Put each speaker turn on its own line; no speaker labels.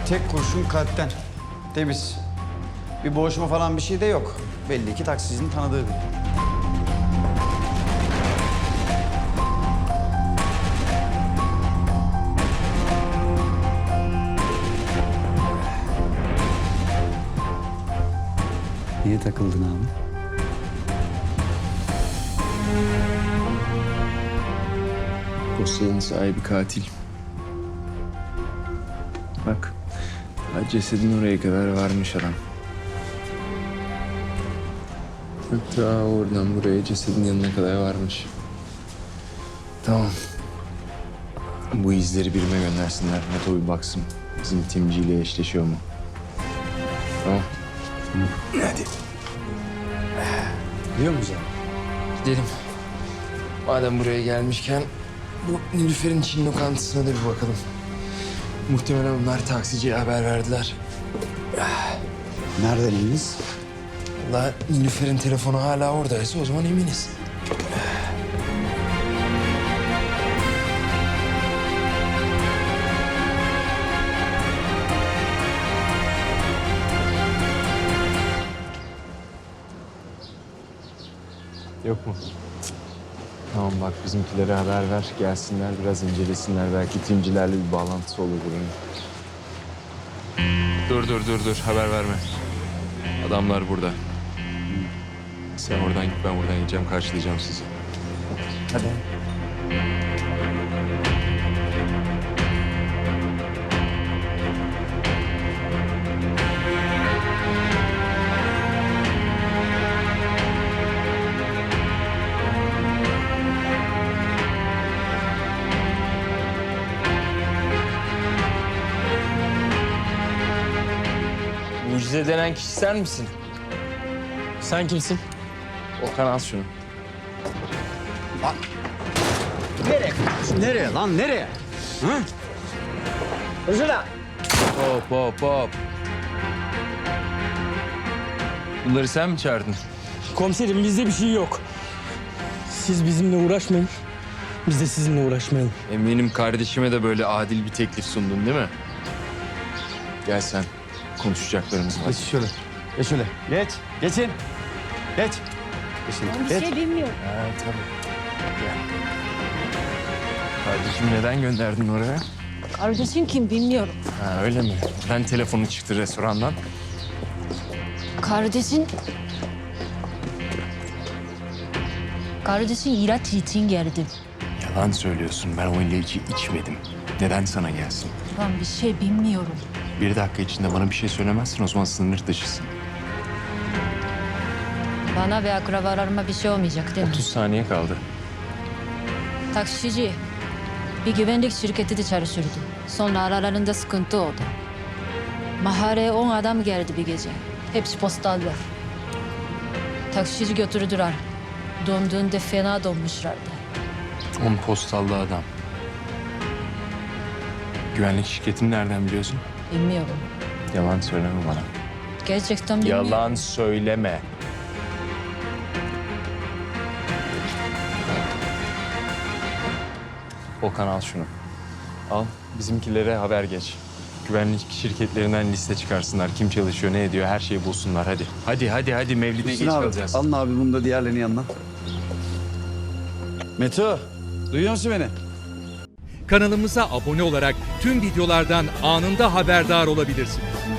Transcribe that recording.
tek kurşun kalpten. Temiz. Bir boğuşma falan bir şey de yok. Belli ki taksicinin tanıdığı biri. Niye takıldın abi?
Dosyanın sahibi katil. Bak, cesedin oraya kadar varmış adam. Hatta oradan buraya cesedin yanına kadar varmış. Tamam. Bu izleri birime göndersinler. Meto bir baksın. Bizim timciyle eşleşiyor mu? Tamam. Hadi.
Biliyor musun?
Gidelim. Madem buraya gelmişken bu Nilüfer'in Çin lokantasına da bir bakalım. Muhtemelen onlar taksiciye haber verdiler.
Nereden eminiz?
Vallahi Nilüfer'in telefonu hala oradaysa o zaman eminiz. Yok mu? Tamam bak bizimkilere haber ver. Gelsinler biraz incelesinler. Belki timcilerle bir bağlantısı olur bunun. Dur. Haber verme. Adamlar burada. Sen oradan git, ben buradan gideceğim. Karşılayacağım sizi. Hadi. Mucize denen kişi sen misin?
Sen kimsin?
Okan al şunu.
Nereye lan, nereye? Hı?
Hop. Bunları sen mi çağırdın?
Komiserim bizde bir şey yok. Siz bizimle uğraşmayın. Biz de sizinle uğraşmayalım.
Eminim kardeşime de böyle adil bir teklif sundun değil mi? Gel sen. Konuşacaklarımız var.
Geç şöyle. Geç şöyle. Geçin. Geç. Geçin.
Ben bir şey bilmiyorum.
Ha, tabii. Gel. Kardeşim neden gönderdin oraya?
Kardeşin kim bilmiyorum.
Ha, öyle mi? Ben telefonu çıktı restorandan.
Kardeşin ilaç için geldi.
Yalan söylüyorsun. Ben o ilacı içmedim. Neden sana gelsin?
Ben bir şey bilmiyorum.
1 dakika içinde bana bir şey söylemezsin, o zaman sınır dışısın.
Bana ve akrabalarıma bir şey olmayacak değil mi?
30 saniye kaldı.
Taksici bir güvenlik şirketi de çalışırdı. Sonra aralarında sıkıntı oldu. Mahalleye 10 adam geldi bir gece. Hepsi postallar. Taksici götürdüler. Döndüğünde fena donmuşlardı.
10 postallı adam. Güvenlik şirketini nereden biliyorsun?
Bilmiyorum.
Yalan söyleme bana.
Gerçekten bilmiyorum.
Yalan söyleme. Okan al şunu. Al, bizimkilere haber geç. Güvenlik şirketlerinden liste çıkarsınlar. Kim çalışıyor, ne ediyor, her şeyi bulsunlar. Hadi. Mevlid'e geç kalacağız.
Alın abi bunu da diğerlerinin yanına. Meto, duyuyor musun beni?
Kanalımıza abone olarak tüm videolardan anında haberdar olabilirsiniz.